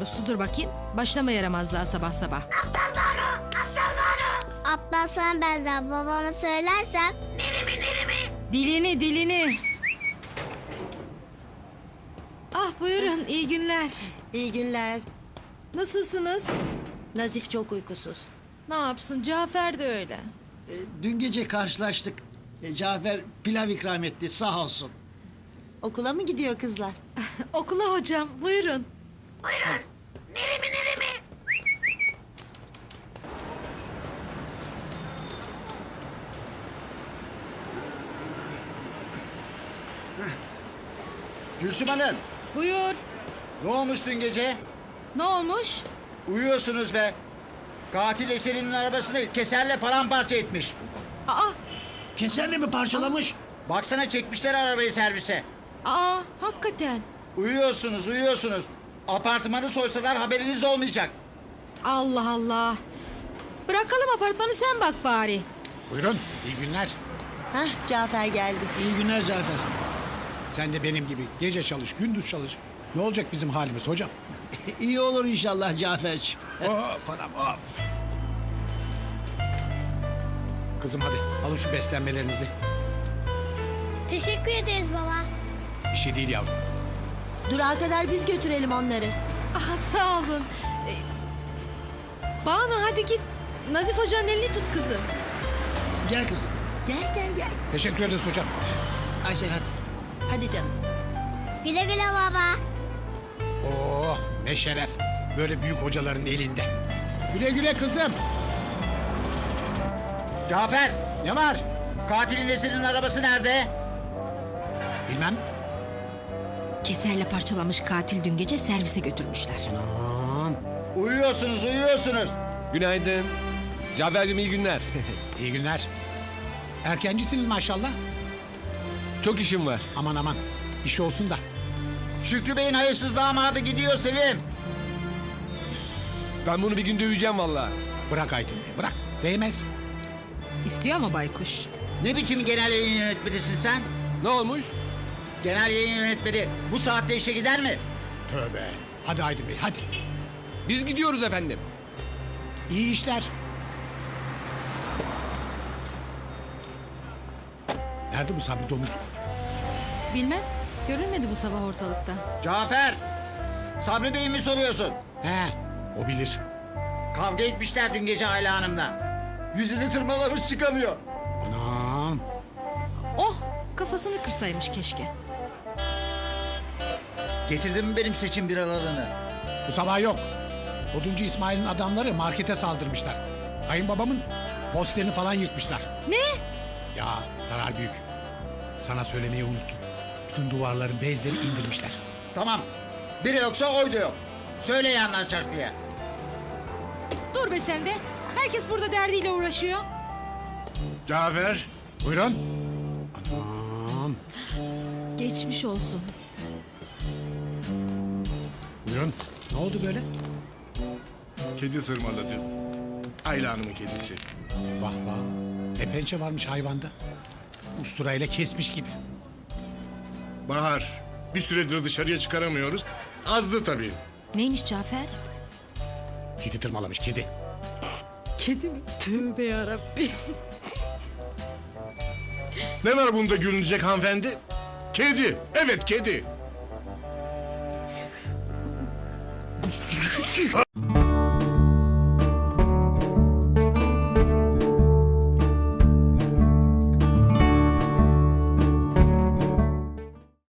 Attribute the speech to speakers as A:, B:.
A: uslu dur bakayım. Başlama yaramazlığa sabah sabah.
B: Abla sana benzer babama söylersem.
A: Dilini. Ah buyurun, iyi günler.
C: İyi günler.
A: Nasılsınız?
C: Nazif çok uykusuz.
A: Ne yapsın, Cafer de öyle.
D: Dün gece karşılaştık. Cafer pilav ikram etti sağ olsun.
C: Okula mı gidiyor kızlar?
A: Okula hocam, buyurun.
D: Gülsüm Hanım,
A: Buyur.
D: ne olmuş dün gece?
A: Ne olmuş?
D: Uyuyorsunuz be. Katil Eser'in arabasını keserle paramparça etmiş.
A: Aa,
D: Keserle mi parçalamış? Baksana çekmişler arabayı servise.
A: hakikaten.
D: Uyuyorsunuz. Apartmanı soysalar haberiniz olmayacak.
A: Allah Allah. Bırakalım apartmanı, sen bak bari.
E: Buyurun, iyi günler.
C: Hah, Cafer geldi.
D: İyi günler Cafer.
E: Sen de benim gibi gece çalış, gündüz çalış. Ne olacak bizim halimiz hocam?
D: İyi olur inşallah Cafer'ciğim.
E: Of anam of. Kızım hadi alın şu beslenmelerinizi.
B: Teşekkür ederiz baba.
E: Bir şey değil yavrum.
C: Durağa kadar biz götürelim onları.
A: Sağ olun. Banu hadi git. Nazif hocanın elini tut kızım.
D: Gel kızım.
C: Gel.
E: Teşekkür ederiz hocam.
D: Aysel hadi.
C: Hadi canım.
B: Güle güle baba.
E: Oh ne şeref. Böyle büyük hocaların elinde. Güle güle kızım.
D: Cafer, ne var? Katilin Eser'in arabası nerede?
E: Bilmem.
A: Keserle parçalamış katil dün gece servise götürmüşler.
E: Anam.
D: Uyuyorsunuz.
F: Günaydın. Cafer'cim iyi günler.
E: İyi günler. Erkencisiniz maşallah.
F: Çok işim var.
E: Aman. İş olsun da.
D: Şükrü Bey'in hayırsız damadı gidiyor Sevim.
F: Ben bunu bir gün döveceğim vallahi.
E: Bırak Aydın Bey, bırak. Değmez.
A: İstiyor mu baykuş?
D: Ne biçim genel yayın yönetmenisin sen?
F: Ne olmuş?
D: Genel yayın yönetmeni bu saatte işe gider mi?
E: Tövbe. Hadi Aydın Bey, hadi.
F: Biz gidiyoruz efendim.
E: İyi işler. Nerede bu Sabri domuz?
A: Bilmem. Görünmedi bu sabah ortalıkta.
D: Cafer, Sabri Bey'i mi soruyorsun?
E: He, o bilir.
D: Kavga etmişler dün gece Ayla Hanım'la. Yüzünü tırmalamış çıkamıyor.
E: Anam.
A: Oh, kafasını kırsaymış keşke.
D: Getirdin mi benim seçim biralarını?
E: Bu sabah yok. Oduncu İsmail'in adamları markete saldırmışlar. Kayınbabamın posterini falan yırtmışlar.
A: Ne?
E: Ya zarar büyük. Sana söylemeyi unuttum. Bütün duvarların bezleri indirmişler.
D: Tamam, biri yoksa oy da yok. Söyle yanlar çarpıya.
A: Dur be sen de. Herkes burada derdiyle uğraşıyor.
E: Cafer. Buyurun. Anam.
A: Geçmiş olsun.
E: Buyurun. Ne oldu böyle?
G: Kedi tırmaladı. Ayla Hanım'ın kedisi.
E: Vah vah. Ne pençe varmış hayvanda. Usturayla kesmiş gibi.
G: Bahar, bir süredir dışarıya çıkaramıyoruz. Azdı tabii.
A: Neymiş Cafer?
E: Kedi tırmalamış kedi.
A: Kedi mi? Tövbe yarabbim.
G: Ne var bunda gülünecek hanımefendi? Kedi, evet kedi.